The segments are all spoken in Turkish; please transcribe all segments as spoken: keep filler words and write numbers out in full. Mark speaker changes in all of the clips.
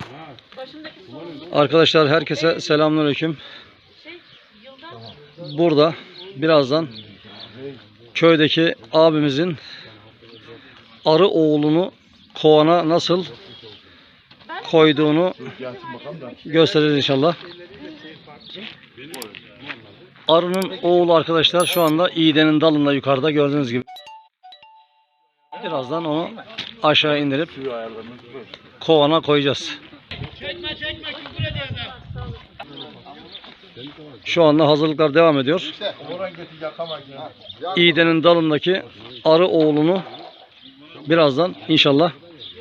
Speaker 1: Arkadaşlar herkese selamünaleyküm. Burada birazdan köydeki abimizin arı oğlunu kovana nasıl koyduğunu gösteririz inşallah. Arının oğlu arkadaşlar şu anda iğdenin dalında yukarıda gördüğünüz gibi. Birazdan onu aşağı indirip kovana koyacağız. Şu anda hazırlıklar devam ediyor. İğdenin dalındaki arı oğlunu birazdan inşallah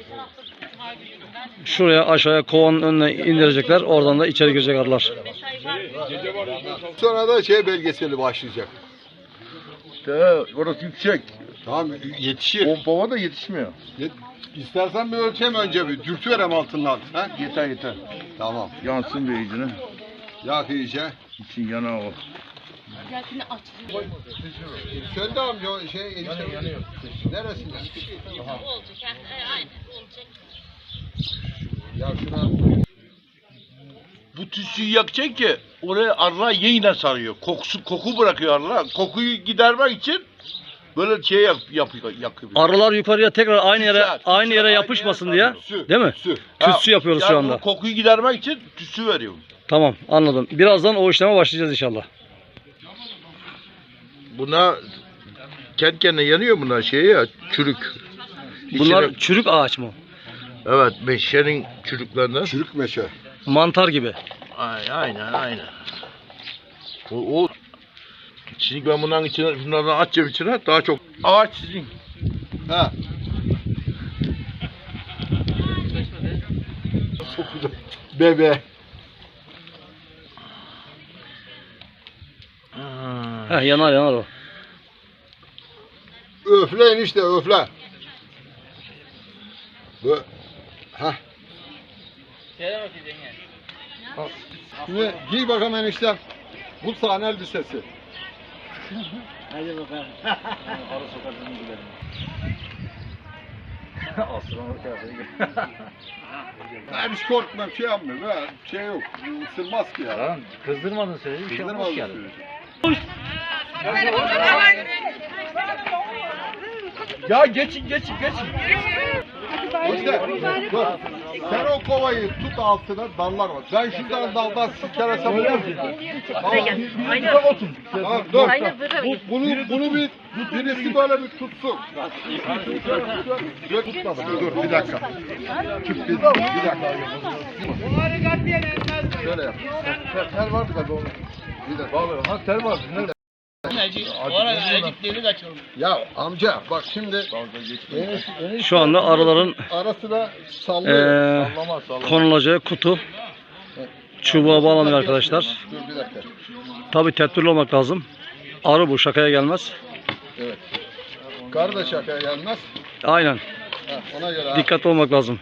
Speaker 1: şuraya aşağıya kovanın önüne indirecekler. Oradan da içeri girecek arılar.
Speaker 2: Sonra da şey belgeseli başlayacak.
Speaker 3: De, orası yüksek.
Speaker 2: Tamam yetişir.
Speaker 3: Pompama da yetişmiyor.
Speaker 2: Yet İstersen bir ölçem önce bir dürtüverem altından. Ha?
Speaker 3: Yeter yeter.
Speaker 2: Tamam.
Speaker 3: Yansın bir iyicine.
Speaker 2: Yak iyice.
Speaker 3: İçin yana o.
Speaker 4: Yakını aç.
Speaker 2: Söndü amca o şey enişte.
Speaker 3: Yanıyor yanıyor.
Speaker 2: Neresinde?
Speaker 4: Olacak. Aynen olacak.
Speaker 2: Ya şuna.
Speaker 3: Bu tütsüyü yakacak ki oraya arılar yeniden sarıyor. Kokusu koku bırakıyor arılar. Kokuyu gidermek için böyle şey yap, yapıyor yakıyor.
Speaker 1: Arılar yukarıya tekrar aynı yere
Speaker 3: Tütsü,
Speaker 1: aynı
Speaker 3: tütsü,
Speaker 1: yere
Speaker 3: aynı
Speaker 1: yapışmasın
Speaker 3: yere
Speaker 1: diye,
Speaker 2: Tütsü,
Speaker 1: değil mi?
Speaker 2: tütsü.
Speaker 1: Tütsü yapıyoruz
Speaker 3: yani
Speaker 1: şu anda.
Speaker 3: bu kokuyu gidermek için tütsü veriyor.
Speaker 1: Tamam, anladım. Birazdan o işleme başlayacağız inşallah.
Speaker 3: Buna kendi kendine yanıyor bunlar şey ya çürük.
Speaker 1: Bunlar
Speaker 3: İçine-
Speaker 1: çürük ağaç mı?
Speaker 3: evet meşenin çürüklerinden.
Speaker 2: Çürük meşe.
Speaker 1: Mantar gibi.
Speaker 3: Aynen aynen aynen. O, o şimdi ben bunların içine bunlardan atacağım içine daha çok ağaç sizin.
Speaker 2: Ha. Bebe.
Speaker 1: Heh, yanar yanar o.
Speaker 2: Öfle enişte öfle. Bu. Ha. Şimdi giy bakalım enişte. Bu sahne elbisesi.
Speaker 1: Hadi bakalım. Arı sokaklarına gidelim.
Speaker 2: Ben hiç korkmam şey yapmıyorum ha. Şey yok. Isırmaz ki ya.
Speaker 1: Lan kızdırmadın seni. Bir şey
Speaker 2: Kızdırmaz
Speaker 1: yapmaz
Speaker 2: mı
Speaker 1: yani.
Speaker 3: Ya geçin geçin geçin.
Speaker 2: İşte, dur. Sen o kovayı tut altına dallar var. Ben şuradan daldan silkelesem olur mu? Tamam.
Speaker 4: Aynen.
Speaker 2: Tamam dur.
Speaker 4: Aynen böyle.
Speaker 2: Bu, bunu, bunu bir, birisi böyle bir tutsun. Dur tutmadım. Dur bir dakika. Tut bir, bir dakika. Şöyle yap. Tel var mı tabii onun? Bir dakika.
Speaker 3: Ha tel var. Nerede?
Speaker 2: Ya amca bak şimdi
Speaker 1: Şu anda arıların
Speaker 2: arasına sallıyor.
Speaker 1: eee
Speaker 3: Sallama sallama.
Speaker 1: konulacağı kutu çubuğa bağlanıyor arkadaşlar.
Speaker 2: Dur bir dakika.
Speaker 1: Tabi tedbirli olmak lazım. Arı bu, şakaya gelmez.
Speaker 2: Evet. Kar da şakaya gelmez.
Speaker 1: Aynen.
Speaker 2: Ha, ona göre ha.
Speaker 1: Dikkatli olmak lazım.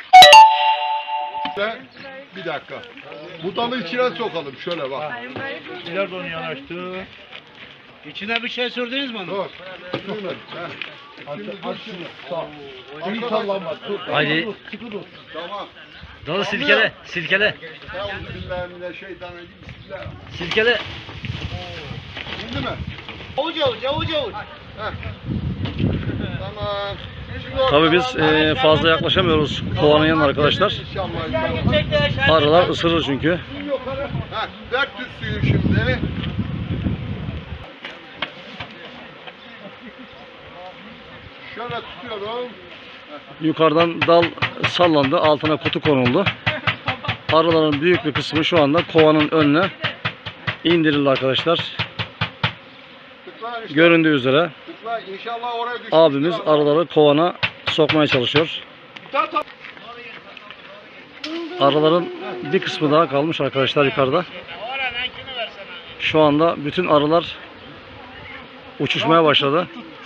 Speaker 2: Bir dakika. Bu dalı içine sokalım şöyle bak.
Speaker 3: İleride onu yanaştı.
Speaker 5: İçine bir şey sürdünüz mü onu?
Speaker 2: Dur. Sürme. Ha. Şimdi dur şimdi. Sağ. İyi sallanma. Tut.
Speaker 1: Haydi.
Speaker 2: Sıkı dur. Tamam.
Speaker 1: Dalı silkele, silkele,
Speaker 2: Euzubillahimineşşeytanirracim. Bismillah.
Speaker 1: silkele.
Speaker 2: Şimdi mi?
Speaker 5: Avuç avuç avuç avuç.
Speaker 2: Heh. Tamam.
Speaker 1: Tabi biz eee, fazla yaklaşamıyoruz kovanın yanına arkadaşlar.
Speaker 2: İnşallah.
Speaker 1: Arılar ısırır çünkü.
Speaker 2: Ha, ver tütsüyü şimdi. Şöyle tutuyorum.
Speaker 1: Yukarıdan dal sallandı, altına kutu konuldu. Arıların büyük bir kısmı şu anda kovanın önüne indirildi arkadaşlar.
Speaker 2: Tıkla işte.
Speaker 1: Göründüğü üzere
Speaker 2: Tıkla. İnşallah oraya düşmüştür.
Speaker 1: abimiz arıları kovana sokmaya çalışıyor. Arıların bir kısmı daha kalmış arkadaşlar yukarıda. Şu anda bütün arılar uçuşmaya başladı.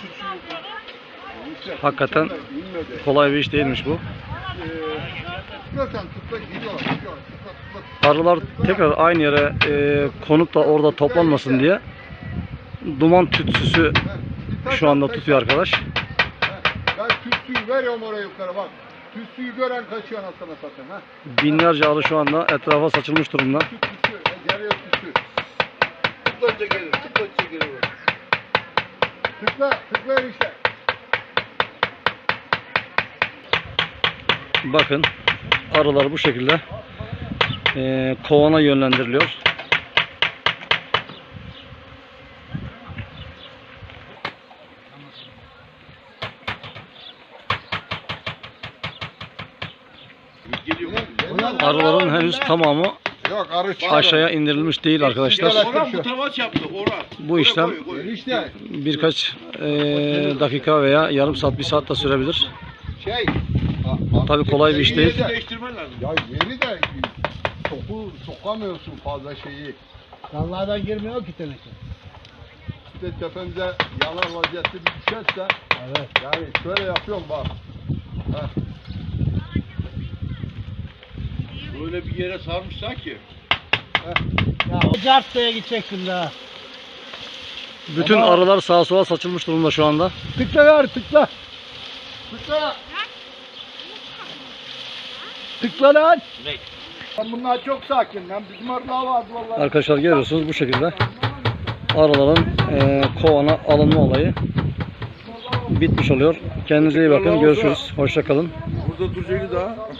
Speaker 1: Hakikaten kolay bir iş değilmiş bu.
Speaker 2: Tıkla sen tıkla gidiyorlar. gidiyorlar. Tıkla, tıkla.
Speaker 1: Arılar tekrar aynı yere e, konup da orada toplanmasın diye duman tütsüsü şu anda tutuyor arkadaş.
Speaker 2: Ben tütsüyü veriyorum oraya yukarı bak. Tüsüyü gören kaçıyor anasını satayım ha.
Speaker 1: Binlerce arı şu anda etrafa saçılmış durumda.
Speaker 2: Tüsü tüsü. E, geliyor tüsü.
Speaker 3: Tıklanca gelir, tıklanca gelir.
Speaker 2: Tıkla, tıkla işte.
Speaker 1: Bakın arılar bu şekilde eee, kovana yönlendiriliyor.
Speaker 3: Geliyor.
Speaker 1: Arıların henüz tamamı
Speaker 2: Yok arı çıkar.
Speaker 1: aşağıya indirilmiş değil arkadaşlar.
Speaker 3: Orhan bu tavaş yaptı, Orhan.
Speaker 1: Bu işlem
Speaker 3: Koy, koy, koy.
Speaker 2: Enişte
Speaker 1: birkaç eee, dakika veya yarım saat, bir saat de sürebilir.
Speaker 2: şey. a- a-
Speaker 1: Tabii kolay bir iş değil.
Speaker 2: yeri de-
Speaker 3: Değiştirmen lazım.
Speaker 2: Ya yeri de soku sokamıyorsun fazla şeyi.
Speaker 5: Dallardan girmiyor ki teneke.
Speaker 2: İşte tepemize yanar vaziyette bir düşerse
Speaker 5: Evet.
Speaker 2: yani şöyle yapıyorum bak. Heh.
Speaker 3: Böyle bir yere sarmışlar ki.
Speaker 5: Ya o cartaya gideceksin daha.
Speaker 1: Bütün arılar sağa sola saçılmış durumda şu anda.
Speaker 5: Tıkla ver tıkla.
Speaker 2: Tıkla.
Speaker 5: Tıkla lan.
Speaker 2: Lan bunlar çok sakin lan. Bizim arılar vardı vallahi.
Speaker 1: Arkadaşlar görüyorsunuz bu şekilde arıların eee, kovana alınma olayı bitmiş oluyor. Kendinize iyi bakın. Görüşürüz. Hoşça kalın.
Speaker 3: Burada duracaktı daha.